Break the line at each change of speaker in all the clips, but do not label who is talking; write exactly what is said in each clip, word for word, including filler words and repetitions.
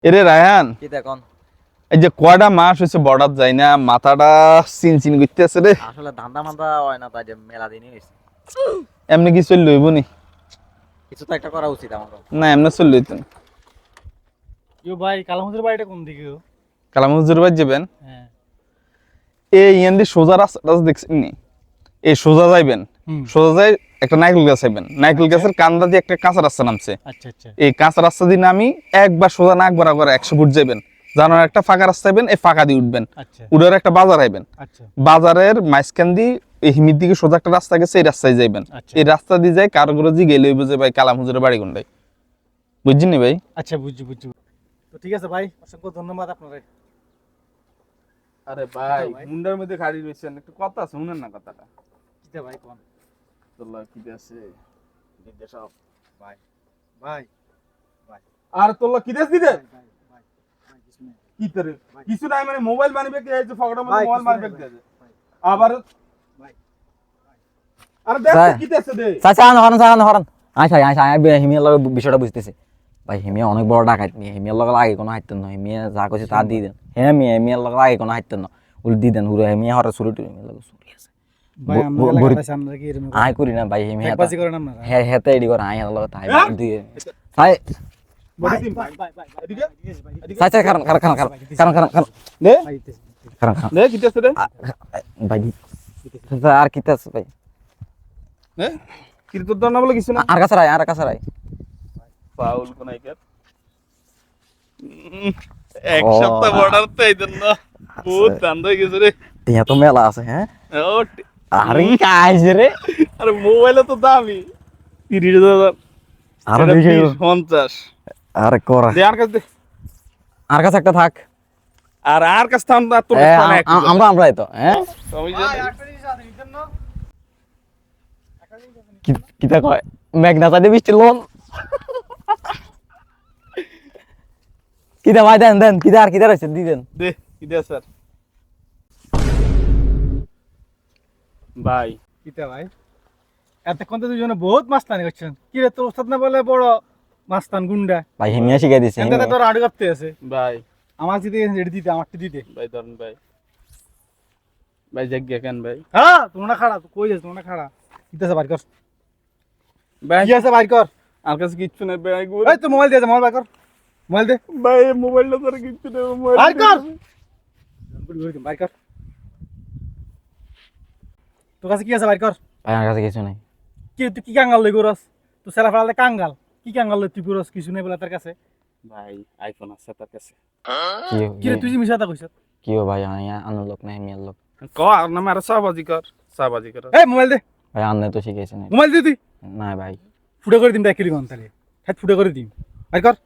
এরে রায়হান,
কি দেখুন
এই যে কয়টা মাস হয়েছে বর্ডার যাই না, মাথাটা চিন চিন করতেছে রে।
আসলে ধান্দা মান্দা হয় না, তাই যে মেলা দিনই হয়েছে।
এমনি কি চল লইব নি?
কিছু তো একটা করা উচিত আমাকে।
না এমনি চল লইতেন।
ইউ ভাই কালামুজুর বাড়িটা কোন দিকে গো?
কালাম হুজুর বাড়ি যাবেন,
হ্যাঁ
এই ইয়ান দিয়ে সোজা রাস্তাটা দেখছেন নি? এই সোজা যাইবেন,
হুম
সোজা যাই একটা নাইকেল গাছ আইবেন, নাইকেল গাছের কান্দা দিয়ে একটা কাঁচা রাস্তা নামছে।
আচ্ছা আচ্ছা
এই কাঁচা রাস্তা দিয়ে নামি একবার সোজা নাক বরাবর একশো ফুট যাবেন, জানার একটা ফাঁকা রাস্তা আইবেন, এই ফাঁকা দিয়ে উঠবেন,
আচ্ছা
উঠার একটা বাজার আইবেন,
আচ্ছা
বাজারের মাঝখান দিয়ে এই হিমির দিকে সোজা একটা রাস্তা গেছে, এই রাস্তায় যাইবেন।
আচ্ছা।
এই রাস্তা দিয়ে যাই কারোগরজি গেলে হইব যে ভাই কালাম হুজুরের বাড়ি কোনটাই, বুঝছেন নি ভাই?
আচ্ছা বুঝছি বুঝছি। তো ঠিক আছে ভাই, অসংখ্য ধন্যবাদ আপনারে।
আরে
ভাই,
মুন্ডার মধ্যে খাড়ি রয়েছেন, একটু কথা আছে শুনেন না কথাটা।
কিটা ভাই কোন?
তোল্লা কি আছে দিতে সব
ভাই ভাই ভাই
আর তোল্লা কি দেশ দিতে
ভাই ভাই ভাই কিছু নেই
কি করে
ভাই।
কিছু নাই মানে মোবাইল মানিবে কি এই যে ফকড়ার মধ্যে
ভাই,
মোবাইল
কিছু
মানিবে
নাই
কি
ভাই,
আছে
ভাই।
আবার
ভাই
আরে দেখ
স্যার।
কি দেশ দে
চাচা আন হরান চাচা হরান আচ্ছা আচ্ছা আমি হিমিয়ার লগে বিষয়টা বুঝতেছি। ভাই হিমিয়া অনেক বড় ডাকাত নিয়ে হিমিয়ার লগে আগে কোনো হাইতেন না, হিমিয়া যা কইছে তা দিয়ে দেন। হ্যাঁ মিয়া হিমিয়ার লগে আগে কোনো হাইতেন না, উল দিয়ে দেন হুরে হিমিয়া হরা শুরু টুরি হিমিয়ার লগে শুরু আছে।
ভাই
ব-
আমরা
ব-
এলাকাটা
বড়ি-
সামনে কি এরকম
আয় করি না ভাই হিমিয়া
একবাজি করেন আপনারা?
হ্যাঁ হেতে এডি করে আয় লগে তাই
হ্যাঁ?
দিয়ে তাই
বডি টিম
ভাই ভাই ভাই
এদিকে
এদিকে
চাচা কারণ কারণ কারণ কারণ কারণ কারণ
দে
ভাই দিতেছি, দিতেছি।
কারণ কারণ
দে কি দেশ দে
ভাই চাচা আর কি আছে ভাই?
দে কি তোর দর না বলে কিছু না
আর কাছে রায় আর কাছে রায়
ফাউল কোন আইকার এক
ও।
সপ্তাহ বর্ডার তো এই জন্য বহুত দান্দ হয়ে গেছে রে।
তিয়া তো মেলা আছে হ্যাঁ।
ও
আরে কাজ রে
আরে মোবাইলে তো দামি তিরিশ হাজার
আরো
এটা
বেশি
বিশ, পঞ্চাশ
আরে করা
দে আর কাছে দে
আর কাছে একটা থাক।
আর আর কাছে থাম না তোর
এ,
কাছে
আম-
অনেক
আম- আমরা আমরাই তো হ্যাঁ
আমি
ভাই
জানি
একটা জিনিস আছে নিতেন না?
কি- কিতা কয় মেঘনা চাইতে বৃষ্টি লোন কিতা ভাই দেন দেন কিতা আর কিতা রয়েছে দি দেন।
দে কি দে স্যার ভাই
কিটা ভাই এতক্ষণ তো দুজনে বহুত মাস্তানি করছেন। কি রে তোর ওস্তাদ না বলে বড় মাস্তান গুন্ডা?
ভাই হিমিয়া শিখাই দিছে
এনতে তোর আড়ু করতে আছে।
ভাই
আমার যদি রেডি দিতে আমারটি দিতে।
ভাই ধরুন ভাই ভাই জাগিয়া কেন ভাই
হ্যাঁ তোমরা খাড়া তো কই যাস তোমরা খাড়া কিটা আছে বাইর কর।
ভাই
কি আছে বাইর কর।
আর কাছে কিচ্ছু নেই ভাই গুলো
এই তো মোবাইল দে মোবাইল বাইর কর। মোবাইল দে
ভাই মোবাইলটা তোর কিচ্ছু নেই
বাইর কর। বাইর কর। তোর কাছে কি আছে বাইর কর।
ভাই আমার কাছে কিছু নাই।
কি তুই কি কাঙ্গাল লই গরস? তুই সেলা ফেলালে কাঙ্গাল। কি কাঙ্গাল লই তুই গরস কিছু নেই বলে তার কাছে।
ভাই আইফোন আছে তার কাছে
কি
কি রে তুই যে মিছা কথা কইছ।
কি ও ভাই আয়া আনার লোক না হিমিয়ার লোক।
ক আর নামে আর সাবাজি কর সাবাজি কর
এই মোবাইল দে
ভাই আনলে তো শিখাইছে না।
মোবাইল দে তুই।
না ভাই
ফুটে করে দিম ডাকিলি গন তাহলে। হ্যাঁ ফুটে করে দিম। বাইর কর।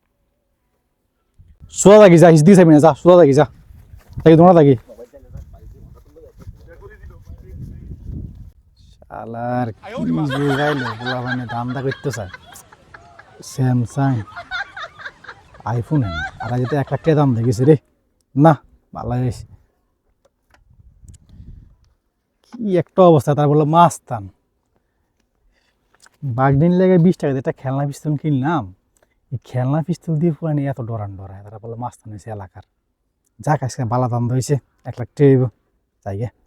সোজা থাকি যা হিসদি চাইবি না যা সোজা থাকি যা। থাকি তোমরা থাকি। শালার কি জোগাইলো বলা মানে দামটা করতে চায়। স্যামসাং আইফোন না আর যেটা এক লাখ টাকা দাম দেখেছে রে না ভালো হয়েছে। কি একটা অবস্থা তার বললো মাস্তান বাগদিন লেগে বিশ টাকা দিয়ে একটা খেলনা পিস্তল কিনলাম। এই খেলনা পিস্তল দিয়ে পুরানি এত ডরান ডরায় তারা বললো মাস্তান হয়েছে এলাকার। যাক আজকে বালা দাম হয়েছে এক লাখ টাকা যাই গে।